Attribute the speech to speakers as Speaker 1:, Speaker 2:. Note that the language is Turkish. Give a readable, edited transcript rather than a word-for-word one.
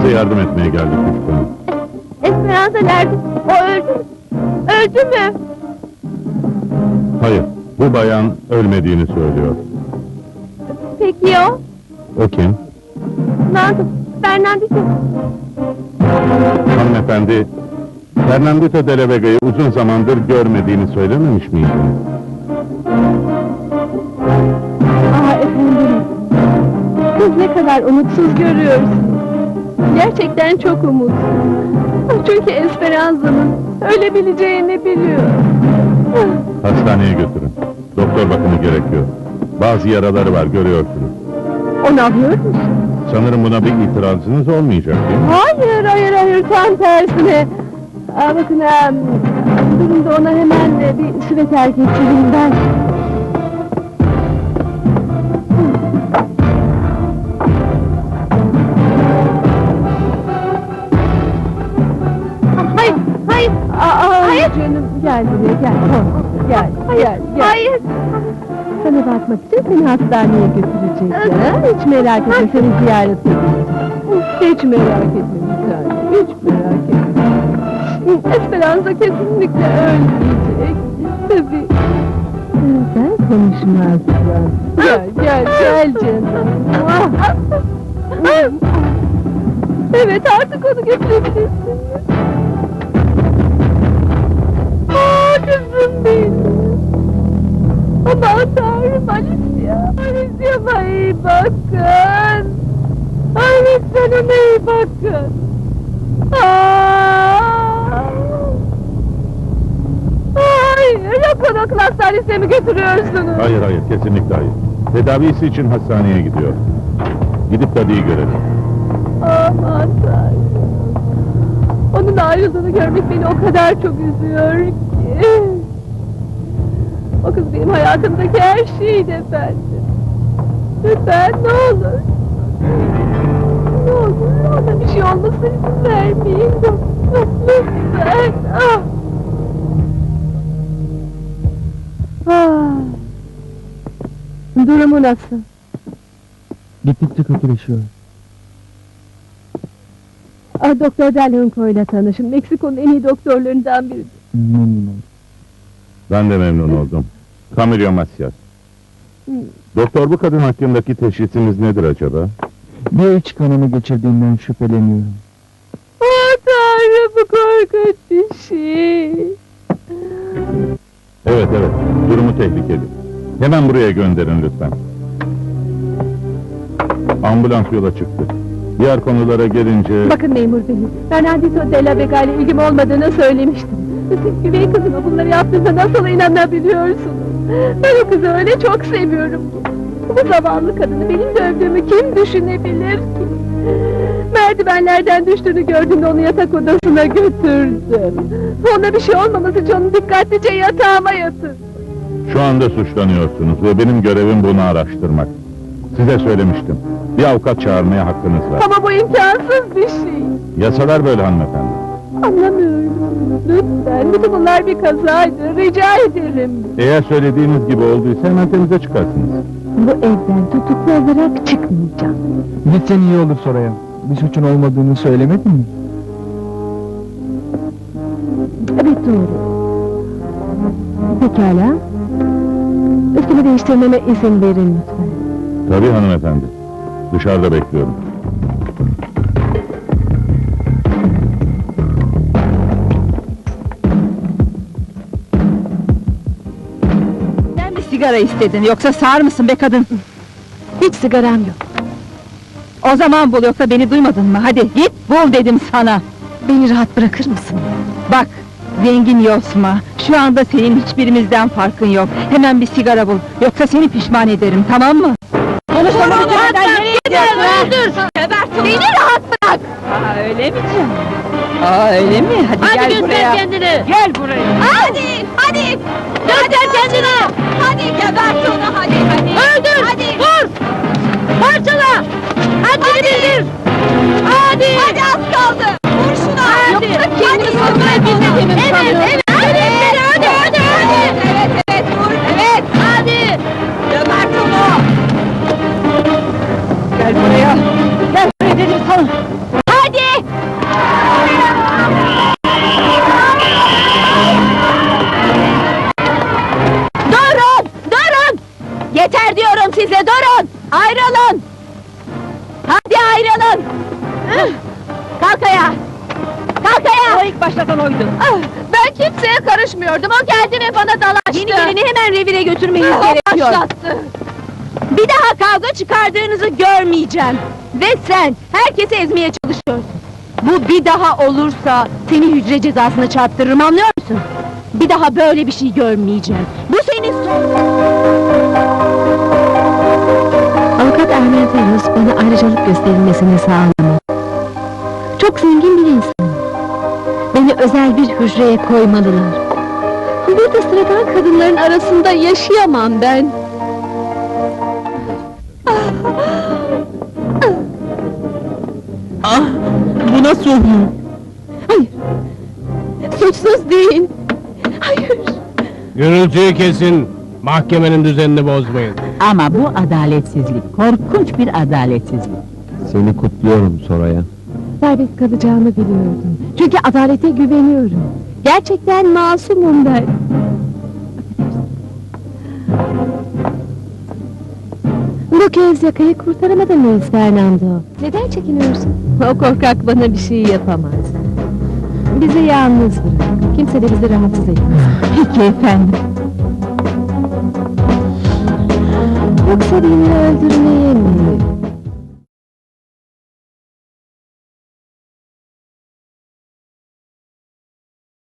Speaker 1: Size yardım etmeye geldik lütfen.
Speaker 2: Esperanza nerede? O öldü. Öldü mü?
Speaker 1: Hayır, bu bayan ölmediğini söylüyor.
Speaker 2: Peki o?
Speaker 1: O kim?
Speaker 2: Fernandito.
Speaker 1: Hanımefendi, Fernandito de la Vega'yı uzun zamandır görmediğini söylememiş miydiniz?
Speaker 2: Efendim. Siz ne kadar umutsuz görüyorsunuz. Gerçekten çok umutsuz. Çünkü Esperanza'nın ölebileceğini biliyor.
Speaker 1: Hastaneye götürün. Doktor bakımı gerekiyor. Bazı yaraları var, görüyorsunuz.
Speaker 2: O ne yapıyor musun?
Speaker 1: Sanırım buna bir itirazınız olmayacak değil mi?
Speaker 2: Hayır, tam tersine. Bakın, durun da ona hemen bir süveter getireyim ben. Hayır canım, gel buraya, gel. Hayır. Sana bakmak için seni hastaneye götürecekler. Hiç merak etme, seni ziyaret edeceğiz. Hiç merak etme bir tane, hiç merak etme. Esperanza kesinlikle ölmeyecek. Tabii. Sen konuşmazsın. Gel canım. Evet, artık onu götürebilirsin. Kızım benim. Aman Tanrım, Alicia bana iyi bakın. Ay lütfen ona iyi bakın. Hayır, yakın akıl hastanesine mi götürüyorsunuz?
Speaker 1: Hayır, kesinlikle hayır. Tedavisi için hastaneye gidiyor. Gidip Daddy'yi görelim.
Speaker 2: Aman Tanrım. Onun ayrıldığını görmek beni o kadar çok üzüyor ki. O kız benim hayatımdaki her şeydi efendim. Lütfen ne olur. Ne olur ona bir şey olmasına izin vermeyin. Lütfen. Durumu nasıl?
Speaker 3: Gittikçe kötüleşiyor.
Speaker 2: Doktor Delhunco ile tanışın. Meksiko'nun en iyi doktorlarından biri.
Speaker 3: Memnun oldum.
Speaker 1: Ben de memnun oldum. Camilo Macias. Doktor, bu kadın hakkındaki teşhisiniz nedir acaba?
Speaker 3: Bir iç kanama geçirdiğinden şüpheleniyorum.
Speaker 2: Tanrım, bu korkunç bir şey.
Speaker 1: Evet, durumu tehlikeli. Hemen buraya gönderin lütfen. Ambulans yola çıktı. Diğer konulara gelince...
Speaker 2: Bakın memur bey, Fernandito de la Vega ile ilgim olmadığını söylemiştim. Siz güvey kızıma bunları yaptığınıza nasıl inanabiliyorsunuz? Ben o kızı öyle çok seviyorum ki. Bu zavallı kadını benim dövdüğümü kim düşünebilir ki? Merdivenlerden düştüğünü gördüğümde onu yatak odasına götürdüm. Ona bir şey olmaması için onu dikkatlice yatağıma yatırdım.
Speaker 1: Şu anda suçlanıyorsunuz ve benim görevim bunu araştırmak. Size söylemiştim. Bir avukat çağırmaya hakkınız var.
Speaker 2: Ama bu imkansız bir şey.
Speaker 1: Yasalar böyle hanımefendi.
Speaker 2: Anlamıyorum. Lütfen, bütün bunlar bir kazaydı. Rica ederim.
Speaker 1: Eğer söylediğiniz gibi olduysa hemen temize çıkarsınız.
Speaker 2: Bu evden tutuklu olarak çıkmayacağım.
Speaker 3: Gitsen iyi olur Soraya. Bir suçun olmadığını söylemedin mi?
Speaker 2: Evet, doğru. Pekala. Üstümü değiştirmeme izin verin lütfen.
Speaker 1: Tabii hanımefendi. Dışarıda bekliyorum.
Speaker 4: Sen bir sigara istedin, yoksa sağır mısın be kadın?
Speaker 2: Hiç sigaram yok.
Speaker 4: O zaman bul, yoksa beni duymadın mı? Hadi git bul dedim sana!
Speaker 2: Beni rahat bırakır mısın?
Speaker 4: Bak, zengin yosma, şu anda senin hiçbirimizden farkın yok. Hemen bir sigara bul, yoksa seni pişman ederim, tamam mı? Konuşmamı bitirmeden nereye gidiyorsun?
Speaker 2: Öldür! Beni rahat bırak!
Speaker 4: Öyle mi canım? Öyle mi? Hadi gel
Speaker 2: göster
Speaker 4: buraya!
Speaker 2: kendini!
Speaker 4: Gel buraya!
Speaker 2: Hadi! Göster kendini! Hadi gebert onu, hadi! Öldür! Hadi! Vur! Parçala! Haddini bildir! Hadi az kaldı! Vur şuna! Yoksa kendini savunmayı bilmediğimi mi sanıyorsun? Evet, vur! Evet, hadi! Gebert onu!
Speaker 4: Gel buraya! Gel buraya dedim sana!
Speaker 2: Hadi! Kalk ayağa! Kalk ayağa!
Speaker 4: O ilk başlatan oydu.
Speaker 2: Ben kimseye karışmıyordum, o geldi ve bana dalaştı!
Speaker 4: Yeni gelini hemen revire götürmeniz
Speaker 2: O
Speaker 4: gerekiyor.
Speaker 2: başlattı!
Speaker 4: Bir daha kavga çıkardığınızı görmeyeceğim. Ve sen, herkesi ezmeye çalışıyorsun. Bu bir daha olursa, seni hücre cezasına çarptırırım, anlıyor musun? Bir daha böyle bir şey görmeyeceğim. Bu senin son...
Speaker 2: Avukat Ermenteros bana ayrıcalık gösterilmesini sağlamaz. Çok zengin bir insan. Beni özel bir hücreye koymalılar. Burada sıradan kadınların arasında yaşayamam ben.
Speaker 3: Bu nasıl oluyor?
Speaker 2: Hayır! Suçsuz değil! Hayır!
Speaker 5: Gürültüyü kesin, mahkemenin düzenini bozmayın.
Speaker 6: Ama bu adaletsizlik, korkunç bir adaletsizlik.
Speaker 3: Seni kutluyorum Soraya.
Speaker 2: Serbest kalacağımı biliyordum. Çünkü adalete güveniyorum. Gerçekten masumum ben. Bu kez yakayı kurtaramadın mıyız Fernando? Neden çekiniyorsun? O korkak bana bir şey yapamaz. Bizi yalnız bırak. Kimse de bizi rahatsız etmez.
Speaker 6: Peki efendim.
Speaker 2: Yoksa birini öldürmeye mi?